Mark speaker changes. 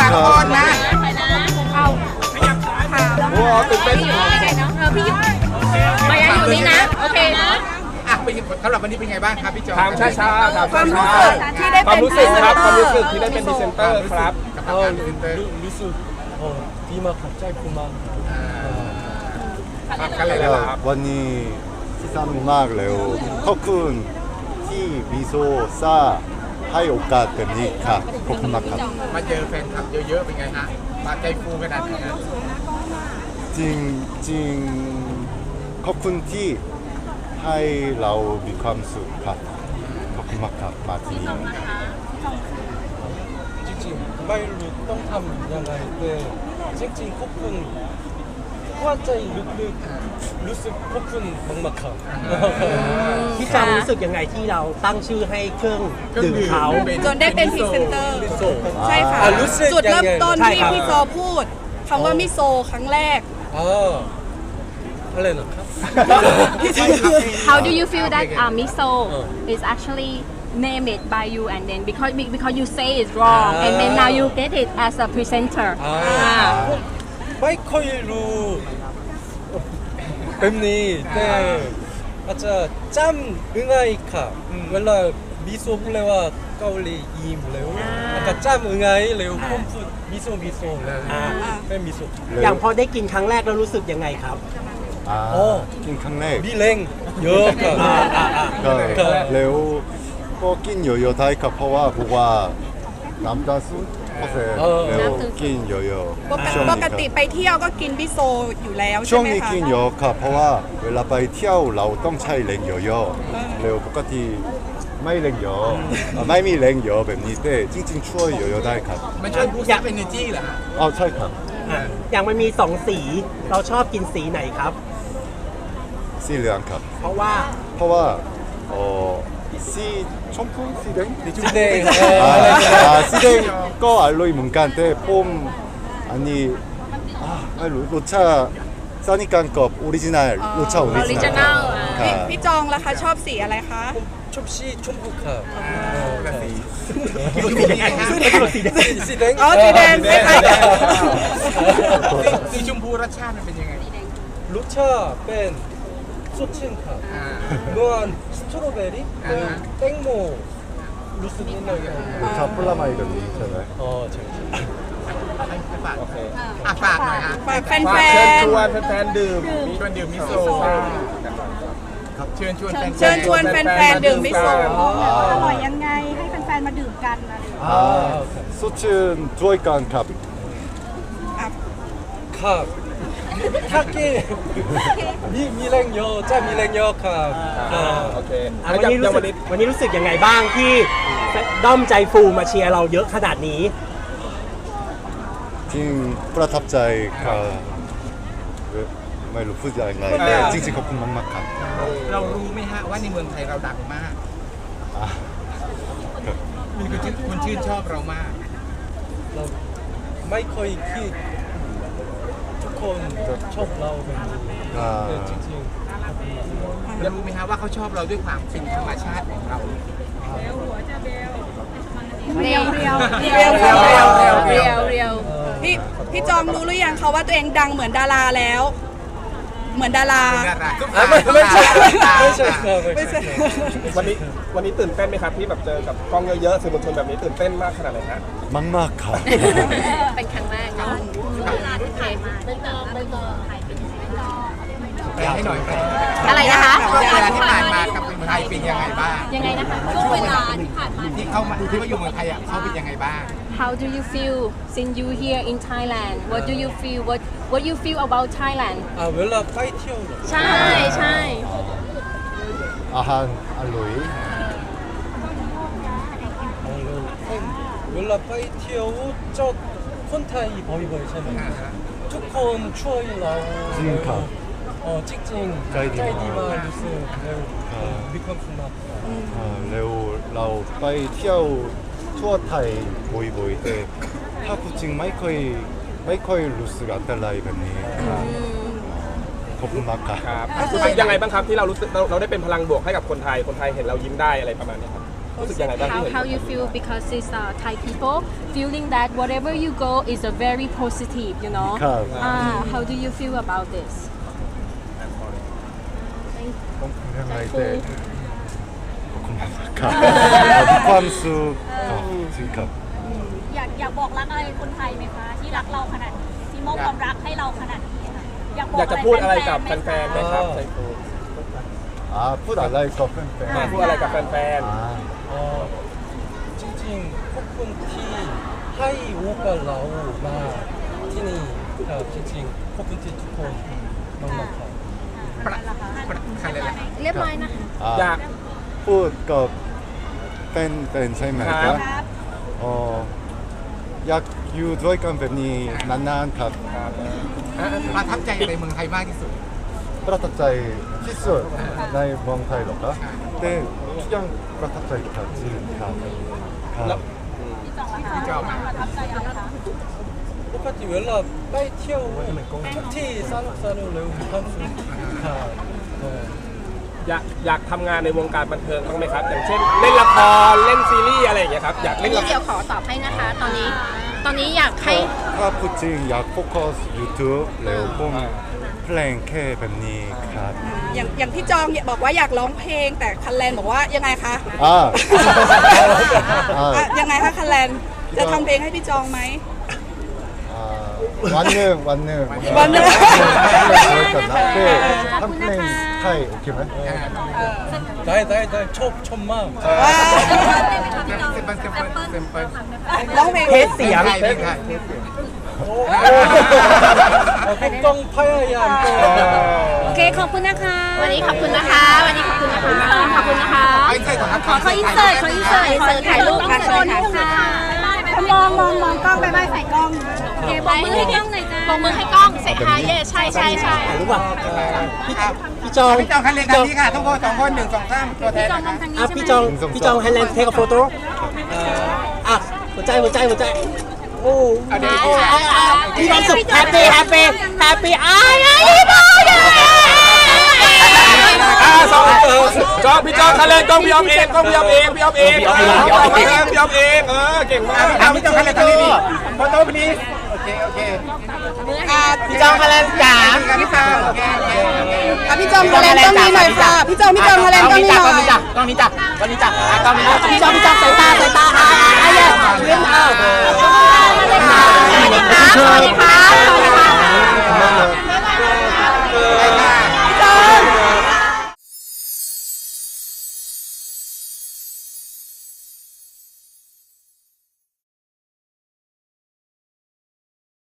Speaker 1: ละคนนะ
Speaker 2: เอาค่ะ
Speaker 3: ว้าวตื่นเต้น
Speaker 2: พี่ยุมายังอยู่นี่นะ โอเคนะ
Speaker 1: อ่ะเป็นสำหรับวันนี้เป็นไงบ้างครับพี่จอ
Speaker 3: ถามช้าๆถาม
Speaker 1: ความรู้
Speaker 3: ช้า
Speaker 1: สึกที่ได้
Speaker 3: ๆควา
Speaker 1: เป็
Speaker 3: ม
Speaker 1: น
Speaker 3: รู้สึกครับความรู้สึก
Speaker 1: พ
Speaker 3: ที่ได้เป็นพรีเซนเตอร์ครับ
Speaker 1: กับการพรีเซนเตอร์
Speaker 4: รู้สึกดีมากครับใจฟูมาก
Speaker 3: กันเลยนะครับ
Speaker 5: วันนี้ที่สนุกมากเลยขอบคุณที่มิโซซ่าให้โอกาสแบบนี้ครับขอบคุณมากครับ
Speaker 1: มาเจอแฟนคลับเยอะๆเป็นไงฮะมาใจฟูขนาดไหนฮะ
Speaker 5: จริงจริงขอบคุณที่ให้เรามีความสุขครับขอบคุณมากครับมาที่นี่
Speaker 4: จริงๆไม่รู้ต้องทำยังไงแต่จริงๆขอบคุณว่าใจลึกๆรู้สึกขอบคุณมากๆครับ
Speaker 6: พี่จำรู้สึกยังไงที่เราตั้งชื่อให้เครื่องดื่มเขา
Speaker 2: จนได้เป็นพรีเซนเตอร์
Speaker 4: มิโซะ
Speaker 2: ใช่ค่ะ
Speaker 4: รู้สึก
Speaker 2: จุดเริ่มต้น
Speaker 6: ใช่
Speaker 2: ที่
Speaker 6: ครับ
Speaker 2: พี่โซพูดคำว่ามิโซครั้งแรก
Speaker 4: อะไรนะครับ
Speaker 7: How do you feel that miso is actually named by you and then because you say it's wrong and then now you get it as a presenter.
Speaker 4: ไม่ค่อยรู้แบบนี้แต่อาจจะจำง่ายค่ะเวลามิโซะพูดเลยว่าเกาหลียิ้มเร็วอาจจะจำง่ายเร็วผมพูดมิโซะแล้วเป็นมิโซะ
Speaker 6: อย่างพอได้กินครั้งแรกแล้วรู้สึกยังไงครับ
Speaker 4: โอ้
Speaker 5: กินครั้งแรก
Speaker 4: มีแรงเยอะค่ะ
Speaker 5: ก็แล้วก็กินเยอะๆได้ครับเพราะว่าน้ำตาลสูงแล้วกินเยอะๆช่วง
Speaker 2: ป
Speaker 5: นี้
Speaker 2: กติไปเที่ยวก็กินมิโซอยู่แล้ว
Speaker 5: ช่
Speaker 2: ใช่
Speaker 5: วง
Speaker 2: ไหม
Speaker 5: นี้
Speaker 2: คะ
Speaker 5: กินเยอะครับเพราะว่าเวลาไปเที่ยวเราต้องใช้แรงเยอะๆแล้วปกติไม่แรงเยอะไม่มีแรงเยอะแบบนี้แต่จริงๆช่วยเยอะๆได้ครับ
Speaker 1: มันช่วยบูสต์เอเนอร์จีเหรอฮะ
Speaker 5: อ๋อใช่ครับ
Speaker 6: อย่างมันมี2สีเราชอบกินสีไหนครับ
Speaker 5: สีเหลืองครับ
Speaker 6: เพราะว่า
Speaker 5: เพราะว่าสีชมพูสีแดง
Speaker 4: สีแดง
Speaker 5: สีแดงก็อร่อยเหมือนกันแต่ผมอันนี้ไม่รู้รสชาติซานิกันกับออริจินัลรสชาติออริจินัลครับ
Speaker 2: พี่จองล่ะคะชอบสีอะไรคะ
Speaker 4: ชอบสีชมพูค่ะ
Speaker 1: แบบสี
Speaker 4: สีแดง
Speaker 2: อ๋อสีแดงใช่ไหม
Speaker 1: สีชมพูรสชาติมันเป็นยังไง
Speaker 4: รสชาติเป็นสดชื่นค่ะนวลสตรอเบอรี่แตงโมรู้สึกนิดหน่อย
Speaker 5: รสชาติผลไม้แบบนี้ใช่ไหม
Speaker 4: อ๋อใช่
Speaker 1: ฝากฝากหน่อยฮะ
Speaker 2: ฝากแฟ
Speaker 3: ฝากเชิญ
Speaker 2: น
Speaker 3: ชวนแฟนๆดื่ม
Speaker 1: ชวนดื่มมิโซเชิญชวน
Speaker 2: ๆเชิญชวนแฟนๆดื่มมิโซ
Speaker 8: อร่อยยังไงให้แฟนๆมาดื่มกันอะไรอย่างเงี้ย
Speaker 5: สดชื่นด้วยกันครับ
Speaker 4: ครับถ้ากินมีแรงเยอะจะมีแรงเยอะครับ
Speaker 3: โอเค
Speaker 6: วันนี้รู้สึกวันนี้รู้สึกยังไงบ้างที่ด้อมใจฟูมาเชียร์เราเยอะขนาดนี้
Speaker 5: จริงประทับใจครับไม่รู้พูดยังไงแต่จริงๆขอบคุณมากๆครับ
Speaker 1: เรารู้ไหมฮะว่าในเมืองไทยเราดังมาก
Speaker 5: ครับ
Speaker 1: มีคนชื่นชอบเรามาก
Speaker 4: เราไม่เคยคิดทุกคนชอบเราแบบนี้แต่จริง
Speaker 1: เรารู้ไหมฮะว่าเขาชอบเราด้วยความเป็นธรรมชาติของเรา
Speaker 7: เรียว
Speaker 2: เรียวเรียวเรียว
Speaker 7: เรียว
Speaker 2: พี่จองรู้หรือยังคะว่าตัวเองดังเหมือนดาราแล้ว เหมือนดารา
Speaker 4: ไม่ใช่ครับ
Speaker 2: ไม่ใช่
Speaker 3: วันนี้ตื่นเต้นไหมครับที่แบบเจอกับกล้องเยอะๆสื่อมวลชนแบบนี้ตื่นเต้นมากขนาดไหนฮะ
Speaker 5: มากๆครับ
Speaker 7: เป็นครั้งแรกเนาะ
Speaker 1: แปลให้หน่อยแปล
Speaker 7: อะไรนะคะ
Speaker 1: ช่วงเวลาที่ผ่านมากับเมืองไทยเป็นยังไงบ้าง
Speaker 7: ยังไงนะคะ
Speaker 1: ช่วงเวลาที่ผ่านมาที่เข้ามาที่มาอยู่เมืองไทยอ่ะเขาเป็นยังไงบ้าง
Speaker 7: How do you feel since you here in Thailand What do you feel What you feel about Thailand
Speaker 4: เวลาไปเที่ยว
Speaker 7: ใช่ใช่
Speaker 5: อาหารอร่อย
Speaker 4: เวลาไปเที่ยวเจ้าคนไทยบ่อยๆใช่ไหมทุกคนช่วยเรา
Speaker 5: จริงครับ
Speaker 4: จริงๆ
Speaker 5: ใจดีมาก
Speaker 4: มากรู้สึกแล้วมีความสุขมาก
Speaker 5: แล้วเราไปเที่ยวทั่วไทยบ่อยๆแต่ถ้าพูดจริงไม่ค่อยรู้สึกอันตรายแบบนี้ขอบคุณมากครับ
Speaker 3: ครับรู้สึกยังไงบ้างครับที่เรารู้สึกเราได้เป็นพลังบวกให้กับคนไทยเห็นเรายิ้มได้อะไรประมาณนี้ครับรู้สึกยังไงบ้างที่เห็น
Speaker 7: how you feel because it's Thai people feeling that whatever you go is a very positive, you know. How do you feel about this?
Speaker 5: ต้องยังไงแต่ขอบคุณมากครับมีความสุขครับจริงครับ
Speaker 8: อยากบอกรักอะไรคนไทยไหมคะที่รักเราขนาดนี้ที่มอบความรักให้เราขนาดนี้ค่ะอยากบอก
Speaker 3: อยากจะพูดอะไรกับ
Speaker 8: ๆ
Speaker 3: แฟนๆไหมครับไซฟู
Speaker 5: พูดอะไรกับแฟน
Speaker 3: พูดอะไรกับแฟน
Speaker 4: จริงๆขอบคุณที่ให้โอกาสเรามาที่นี่ครับจริงๆขอบคุณที่ทุกคนมากๆครับ
Speaker 1: คันเลยแหละ
Speaker 7: เรียบร้อยนะคะ
Speaker 3: อยาก
Speaker 5: พูดกับเป็นใช่ไหมครับอยากอยู่ด้วยกันแบบนี้นานๆครับ
Speaker 1: ประทับใจอะไรเมืองไทยมากที่สุด
Speaker 5: ประทับใจที่สุดในเมืองไทยหรอครับแต่ทุกอย่างประทับใจครับจริงครับครับ
Speaker 1: พี่จอม
Speaker 8: ประทับใจอะไรคะ
Speaker 4: ปกติเวลาไปเที่ยวทุกที่สนุกเร็วมีความสุขครับ
Speaker 3: อยากทำงานในวงการบันเทิงบ้างไหมครับ อย่างเช่นเล่นละครเล่นซีรีส์อะไรอย่างเงี้ยครับอยากเล่นละคร
Speaker 7: เดี๋ยวขอตอบให้นะคะ ตอนนี้อยากให้
Speaker 5: ถ้าพูดจริงอยากโฟกัส YouTube แล้วผมเพลงแค่แบบนี้ครับ
Speaker 2: อย่างพี่จองบอกว่าอยากร้องเพลงแต่คันแลนบอกว่ายังไงคะ ยังไงคะคันแลนจะทำเพลงให้พี่จองไหม
Speaker 5: วันหนึ่ง
Speaker 2: วันหนึ่ง
Speaker 5: กันนะทำเพลงไทยโอเคไหม
Speaker 4: ได้ชมมาก
Speaker 2: ร้องเพลง
Speaker 6: เทสเสียง
Speaker 4: ต้องพยายาม
Speaker 7: โอเคขอบคุณนะคะ วันนี้ขอบคุณนะคะ ขอบคุณนะคะ ขออินเสิร์ตถ่ายรูปค่ะ
Speaker 8: มองกล้องไปใส่กล้อง
Speaker 7: โอเคบอกมือให้กล้องหน่อยจ้าบอกมือให้กล้องเสร็จค่ะเย่ใช่
Speaker 6: รู้ป่ะพี่จอง
Speaker 1: พี่จองคันเลยคันนี้ค่ะทุกคน2 คน 1 2 3ตัวแทนนะคะ
Speaker 6: พี่จองไฮแลนด์เทคโฟโต้หัวใจโอ้พี่ความสุขแฮปปี้
Speaker 3: จอพี่จอคันเลนกล้องพี่ออมเองเก่งมาก
Speaker 1: พี่จองคันเลยคันนี้ดิโฟโต้พลีสโอเค
Speaker 6: พี่จองไฮแลนด์จ๋า
Speaker 1: พี่จองโอเค
Speaker 2: พี่จองคันแลนต้องมีหน่อยค่ะ พี่จองคันแลนต้องมีหน่อย